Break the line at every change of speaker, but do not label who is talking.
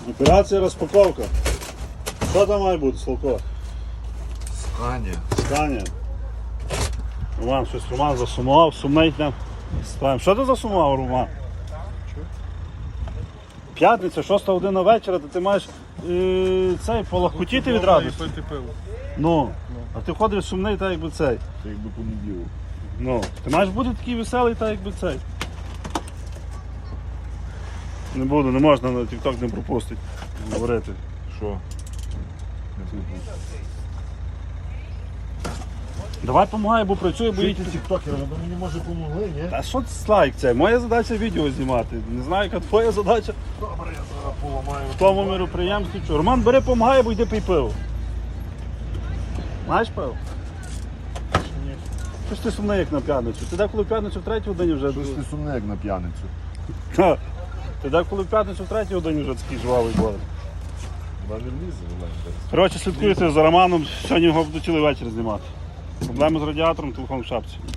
Операція розпаковка. Що там має бути, Славко? Сканія. Роман засумував, сумний там. Що ти засумував, Роман? П'ятниця, 6 година вечора, то ти маєш цей полахкотіти від радості.
Пити пиво.
Ну, а ти ходиш сумний, так якби цей.
Це якби понеділок.
Ну, ти маєш бути такий веселий, так якби цей. Не буду, не можна на TikTok не пропустити. Говорити.
Що? Не слухаю.
Давай помагай, бо працює, бо їдь.
тіктокер, ви мені може помогли, ні?
Та що це лайк це? Моя задача відео знімати. Не знаю, яка твоя задача
Добре, я зараз поламаю.
в тому міроприємстві. Що? Роман, бери, помагай, бо йди пий пиво. Знаєш пиво? Що ж ти сумний, як на п'ятницю? Ти деколи в п'ятницю в 3 годині вже...
Щось ти сумне, як на п'яницю.
Ха. Ти деколи в п'ятницю в 3 годині вже такий жвавий був.
Вона не влізе, вона.
Коротше, слідкуйте за Романом, сьогодні його буду цілий вечір знімати. Проблеми з радіатором, телефон в шапці.